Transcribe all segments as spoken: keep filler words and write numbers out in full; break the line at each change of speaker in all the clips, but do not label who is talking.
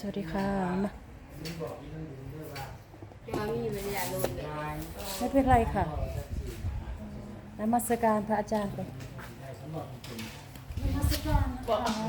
วัสดีค่ะมาไม่เป็นไรค่ะนมัสการพระอาจารย์ไปนมัสการนะคะ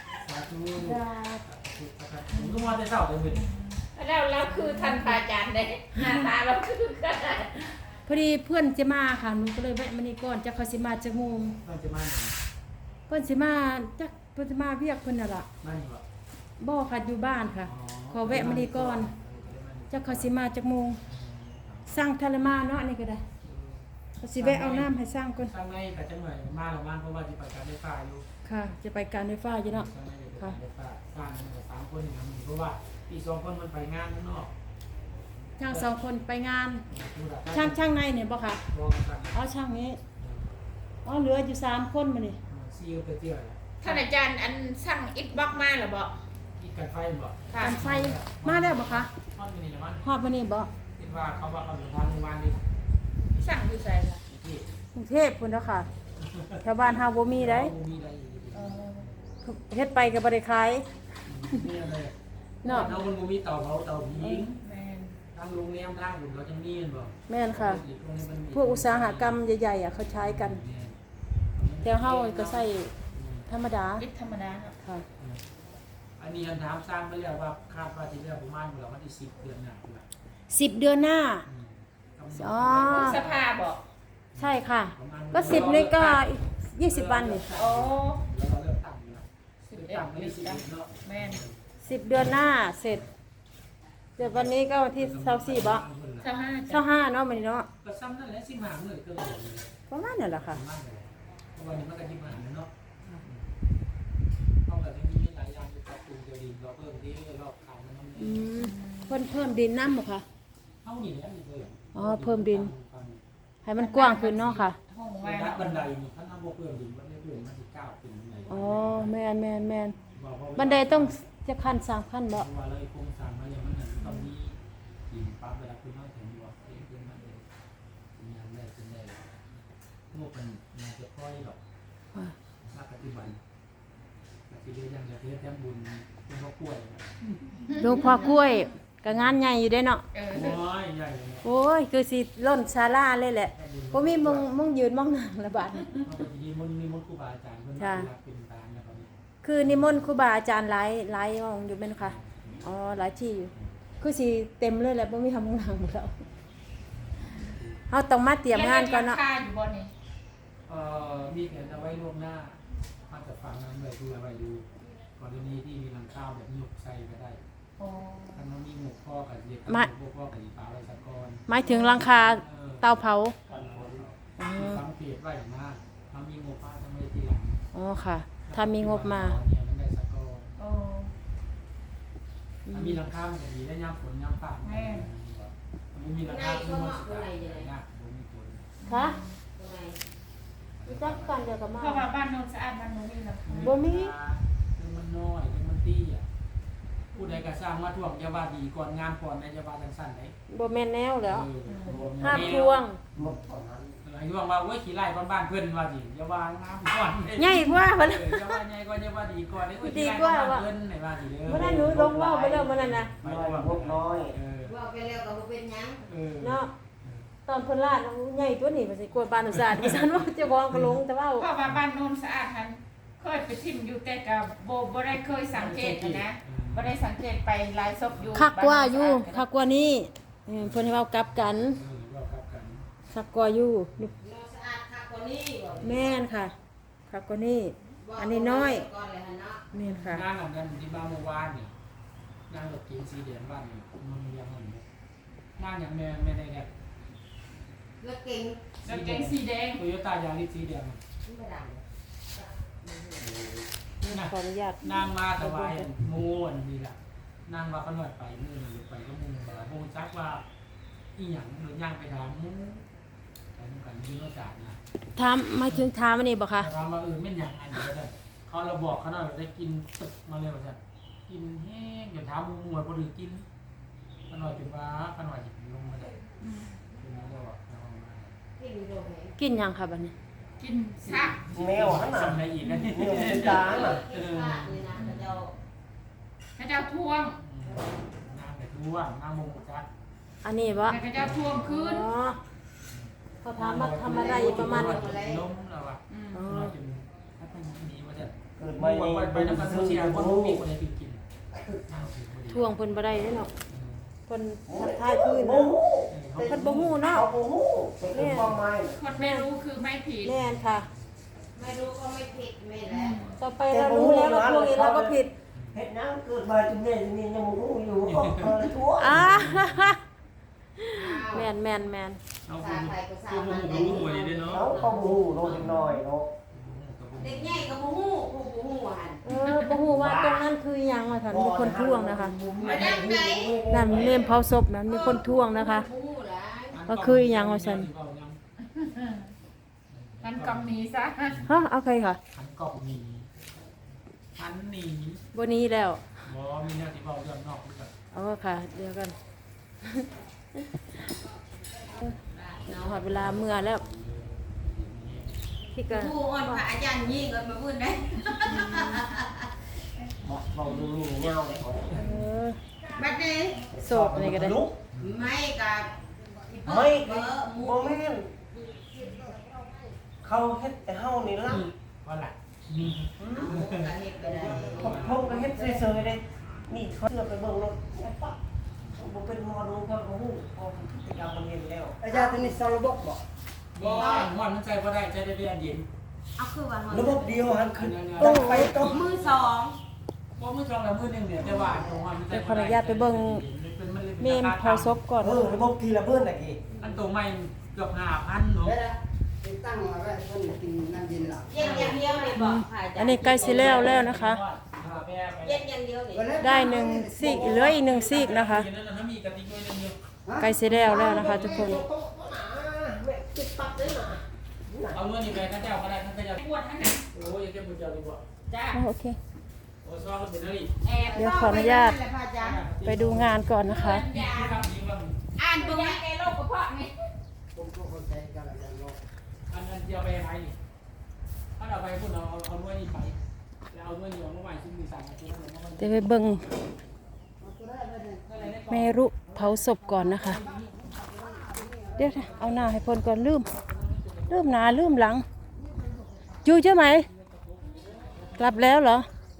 ผมก็มาได้เศร้าเลยมึง
แล้วเราคือทันพระอาจารย์ได้หน้าตาเราคือกัน
พอดีเพื่อนจะมาค่ะหนูก็เลยแวะมานี่ก่อนจะเขาสิมาจากโมง
มันจะมาไหน
เพื่อนสิมาจักเพื่อนสิมาเวียกเพื่อนน่ะล่ะ
มาอยู่อ่ะ
บ่ค่ะอยู่บ้านค่ะขอแวะมานี่ก่อนจะเขาสิมาจากโมงสร้างทะเลมาเนาะนี่ก็ได้เขาสิแวะเอาน้ำให้สร้างก่อน
สร้างในแต่จังหน่อยมาหรือมาเพราะว่าจะไปการได้ฟ้าอยู่
ค่ะ จะไปการไฟฟ้าอยู่เนาะ
สร้างในเดี๋ยวการได้ฟ้าสร้างสามคนอย่างนี้เพราะว่าอีกสองคนมันไปงานข้างนอก
ช่างสองคนไปงานช่างช่างในเนี่ยบ่ค่ะ
รอกัน
อ๋อช่างนี้อ๋อเหลืออยู่สามคนมานี่
ซีลไปเที่ยว
ท่านอาจารย์อันสั่งอิฐบล็อกมาหรือบ่
อีกการไฟบ่
ค่ะ
การไฟมาแล้วบ่คะ
ทอดมินิมัน
ฮอดมานี่บ่
คิดว่าเขาว่าเขาอยู่ทางโรงพยาบาลดิ
สั่งอยู่ใส่ค่ะ
ที่
กรุงเทพพุ่นเด้อค่ะแถวบ้านเฮาบ่มีได้
มีอะไรอยู่
เออ
เฮ็ดไปก็บ่ได้ขาย
มีอะไร
เนาะ
เราคนมีเตาเผาเตาผิง
แม่น
ทางโรงแรมทางผมเราจะมีบ่
แม่นค่ะ พวกอุตสาหกรรมใหญ่ๆอ่ะเขาใช้กัน แต่เฮาก็ใช้ธรรมดา
อิฐธรรมดาเนาะ
ค่ะ
อันนี้อันถามสร้างไปแล้วว่าคาดว่าที่แล้วประมาณเราวันที่สิบเดือนหน้าคือ
สิบเดือนหน้า อ๋อ
สภาบ่
ใช่ค่ะ ก็สิบนี่ก็อีกยี่สิบวันนี่
โอ้
แล้วเราเริ่มตั้งอยู่แล้ว
สิบ
เริ่ม
เอ็ด
ตั้งไม่
สิ
ได้
บ
สิบ
เอ็ด
เนาะ
แม่น
สิบเดือนหน้าเสร็จเดี๋ยววันนี้ก็วันที่ยี่สิบสี่บ่
เจ้าห้า
เช้าห้าเนาะมื้อนี้เนาะ
ก็ซ้ำนั่นแหละสิบห้ามื้อก็เลย
ประมาณนั่นแหละค่ะ
มากเลยเพราะวันนี้มันก็สิบห้าเนาะเพราะแบบนี้มีหลายอย่างที่ปรับปรุงเดี๋ยวดีเราเพิ่มที่รอบขายมัน
อืมเพิ่นเพิ่มดินน้ำบ่คะ
เท่านี้แหละนี่เลย
อ๋อเพิ่มดิน ให้มันกว้างขึ้นเนาะค่ะ
ห้อง
บั
ไว้
นได
เนาะ
บันไดนี่ถ้าน้ำบ่เพิ่มดินมันไม่เพิ่มมันสิก้าวขึ้นบันได
อ๋อแม่นแม่นแม่นบันไดต้องจะขั้นสามขั้นบ่
เพราะว่าเราโครงสร้างมาอย่างมันนั่นต้องมีดินปั๊บเวลาขึ้นมาถึงบ่เองขึ้นมาเองมีอันแรกเป็นได้พวกมันน่าจะค่อยหรอก
ค่ะ
มาปฏิบัติปฏิบัติอย่างจะเทศแต้มบุญเป็นพ่อกล้วย
หลวงพ่อกล้วยก็งานใหญ่อยู่เด้เนาะ
เออ
โอ้ยใหญ่เลย
โอ้ยคือสิล้นศาลาเลยแหละบ่มีมุงมุงยืนมองนั่งละบาดนี้
เราไปดีมันมีมนต์ครูบาอาจารย์เพิ่นมาเป็นตาลนะครับ
คือนิมนต์ครูบาอาจารย์หลายหลายห้องอยู่แม่นค่ะอ๋อหลายที่อยู่คือสิเต็มเลยแหละบ่มีทำมุงนั่งหมดแล้วเฮาต้องมาเตรียมงานก่อนเนาะ
ค่าอยู่บ่นี่
เอ่อมีแผนเอาไว้ล่วงหน้ามาจะฟังนั้นเลยดูอะไรดูกรณีที่มีหลังข้าวแบบยุกใส่ก็ได้
โอ้
ถ้ามันมีหมกพ่อกับเด็กพวกพ่อกับอีฟ้าไว้สักก้อน
หมายถึงหลังคาเตาเผา
สังเกตไว้มากถ้ามีงบมาทำไมทีหลัง
อ๋อค่ะ ถ้ามีงบมา
เนี่ยมันได้สักก้อน
โอ้
ถ้ามีหลังข้าวมันจะดีได้ย่ำฝนย่ำฝนมันมีหลังข้าวมันสิได้ยากบ่มีฝน
ค่ะรู้จักกันเดียวกับมา
เพราะว่าบ้านโนนสะอาดบ้านโนนนี่ล่ะ
บ่มี
คือมันน้อยคือมันตี้อ่ะผู้ใดก็สร้างมาท่วงจะว่าดีก่อนงามก่อนในจะว่าจังซั่นได้
บ่แม่นแนวแล้ว
เออ
ห้าพวง
ไอ้ว่าว่าโอ้ยขี้ไล่บ้านๆเพิ่นว่าสิอย่าว่างามก่อน
ใหญ่กว่า
เอ
เพิ่น
ออย่าว่าใหญ่ก่อนอย่าว่าดีก่อน
ดีกว่าว่ะ
เพิ่นให้ว่าสิเด้อ
บ่ได้หนูลงเว้าไปแล้วมื้อนั้นน่ะ
ไปว่าพวกน้อยเออ
ว่าไปแล้วก็บ่เป็นหยัง
เออ
เนาะตอนเพิ่นลาดใหญ่ตัวนี้ว่าสิกลัวบ้านอุตสาหดิฉันว่าเจ้าของก็ลงแต่ว่า
เพราะว่าบ้านโนนสะอาดหันเคยไปทิ่มอยู่แต่ก็บ่บ่ได้เคยสังเกตนะบ่ได้สังเกตไปหลายศพอยู่
คักกว่าอยู่คักกว่านี้เออเพิ่นให้เว้ากลับกัน
เออว่าครับกัน
คักกว่าอยู่
เราสะอาดคักกว่านี้บ่
แม่นค่ะคักกว่านี้ อันนี้น้อย
ก่อนเลยหั่นเนาะ
แม่นค่ะ
งานอันนั้นที่บ้านเมื่อวานนี่งานรถเก๋งสีแดงบ้านนี่มันเรียงมันนี่งานอย่างแม่แม่ได้แดก
แล้วเก่ง
รถเก๋งสีแดง
โตโยต้ายาริสสีแดง
มันบ่ดัง
นี่นะ
ขออนุญาต
นางมาถวายมูอันนี้ล่ะนางว่าขนวดไปมือหรือไปก็มูว่ามูจักว่าอีหยังหรือย่างไปถามมูไปนู่นกันยืนโนจาดนะ
ถามหมายถึงถามอันนี้บ่คะ
ถามว่าเออไม่นหยังอันนี้ก็ได้เขาเราบอกเขาหน่อยได้กินตึกมาเลยว่าจะกินแห้งอย่าถามมูมวยพอดีกินขนวดจุดว่าขนวดจิบลงมาได้คือนั่นก็บอกเอามา
กินโดนแหง
กินหยังค่ะบัดนี้
กินซาก
แมวหันหน้าในอีกนะนี่
เออ
ตา
เอ
น่ะ
อกินข้าวนี่นะเจ้า
พระเจ้าท่วม
น้ำแต่ท่วมน้ำมงกุฎจัด
อันนี้บ่
พระเจ้าท่วมขึ้น
อ๋อเขาถามว่าทำอะไรอยู่ประมาณนี้
ล้มแล้วอ่ะ
อืม
อ๋อ
เราจนถ้าเป็นหนีว่าจะ
เกิด
ไป
มา
ไป
ใน
ไปน้ำมันเชียร์คนมีคนไหนกินกินน้ำถึงพอดี
ท่วงเพิ่นบ่ได้เด้เนาะเพิ่นทักทายพื้น
โอ้
นะ
โห
เพิ่นบ่ฮู้เนาะ
เขาโอ้โหเป็นความหมาย
คนไม่รู้คือไม่ผิด
แน่นค่ะ
ไม่รู้ก็ไม่ผิดไม่แล้ว
ต่อไปเรารู้แล้วว่าพวกนี้เราก็ผิด
เฮ็ดน้ำเกิดมาจุดนี้จุดนี้ยังโอ้โหอยู่ก็เออทั่ว
อ่า
อ้าว
แม่นแม่นแม่น
เอาคุณคุณหูหูหูดีด้วยเนาะ
เขาเขาโอ้โหโลกน้อยเนาะ
เด็กใหญ่ก็บ่ฮู้ผู้บ่ฮู้หัน
เออบ่ฮู้ว่าตรงนั้นคือหยังว่าซั่นมีคนท่วงนะคะ
มาดังไหน
นั่นเมมเผาศพนั้นมีคนท่วงนะคะ
ผู้ฮู้หลาย
ก็คือหยังว่าซั่น
งั้นกำนี้ซะ
ฮะเอาใครค่ะ
หันกอบหนีหันหนี
บ่นี้แล้ว
บอมีแนวที่เบาเรื่องนอกด้วย
เอาค่ะ เดี๋ยวกันหอดเวลาเมื่อแล้วพี่ก็
ผู้อ่อนพระอาจารย์ยิ่งก็มาพูดได้
บอกบอกดูนี่เงาเลย
เออ
บัดนี้
โศกนี่ก็ได้
ลุก
ไม่กับ
ไม่
เบอร์หมู
บ่แม่นเขาเฮ็ดแต่เฮานี่ล่ะ
ว่าหละมี
หมูก็เฮ็ดไปได้
ผมผมก็เฮ็ดเฉยๆเด้นี่เขาเชื่อไปเบิ่งรถปั๊บบ่เป็นหมอดูก็บ่ฮู้พอพฤติกรรมมันเห็นแล้ว
อาจารย์ตัวนี้สระบบบ่
บอมันมันใจว่าได้ใจได้เรียนเย็น
เอาคือว่า
ระบบเดียวหันขึ้น
โอ้
ตั้ง
โห
ไฟต้ม
มือสอง
พอมือจองแล้วมือหนึ่งเนี่ยแต่ว่าตรงมันใจ
เดี๋ยวขออนุญาตไปเบิ่งเมมเผาศพก่อน
เออระบบทีละเบิ้นน่ะกี่
อันตัวใหม่เกือบห้าพันเนาะ
ได้ละติดตั้งมาไว้เพิ่นกินน้ำเย็นล่ะ
เย็นอย่างเดียวเลยบอกค่ะอาจารย์
อันนี้ใกล้สิแล้วแล้วนะคะ
เย็นอย่างเดียวนี่
ได้หนึ่งซีกเหลืออีกหนึ่งซีกนะคะ
มีกระติกด้วยนึงอยู่
ใกล้สิแล้วแล้วนะคะ ทุกคน
เอาเงินนี่ไปข้าเจ้าก็ได้ข้าเจ้า
ปวดทั้งนั้น
โอ้ยยังจะบุญเจ้าดีกว่า
จ้า
อ๋อโอเค
โอ้ซองก็เป็นอะไร
แอบ
เดี๋ยวขออนุญาต
แหละพระอาจารย์
ไปดูงานก่อนนะคะ
ที่ทำนี้ว่า
อ่านตรงนี้แกโรคกระเพาะไง
ผมก็เข้าใจกันแล้วกันเนาะ
อันนั้นจะไปไหนนี่ถ้าเราไปพูดเราเอาเอาด้วยนี่ไปแล้วเอาด้วยนี่เอาเมื่อวานซึ่งมีสามอาทิตย์แล้วมัน
เดี๋ยวไปเบิ่ง
เอาตัวได้เลยเนี่ย
เมรุเผาศพก่อนนะคะ เดี๋ยวนะเอาหน้าให้เพ้นก่อนลืมลืมหน้าลืมหลังอยู่ใช่ไหม กลับแล้วเหรอ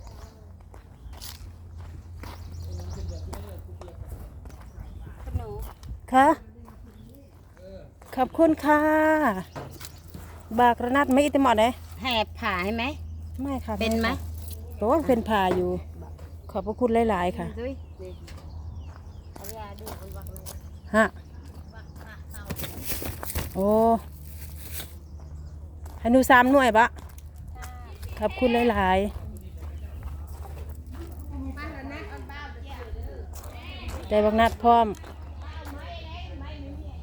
คะขอบคุณค่ะ บากระนัดไม่อิตมอดเลย
แหบผ่าให้ไหม
ไม่ค่ะ
เป็นไหม
เพราะว่าเป็นผ่าอยู่ ขอบพระคุณหลาย ๆ ค่ะ
ดุยเอายาดูเอาวักเลย
ฮะ โอ้ให้หนูสามหน่วยบะขอบคุณหลาย ๆ ได้บักนัดพร้อม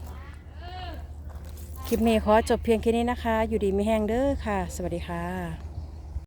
คลิปนี้ขอจบเพียงแค่นี้นะคะ อยู่ดีไม่แห้งเด้อค่ะ สวัสดีค่ะ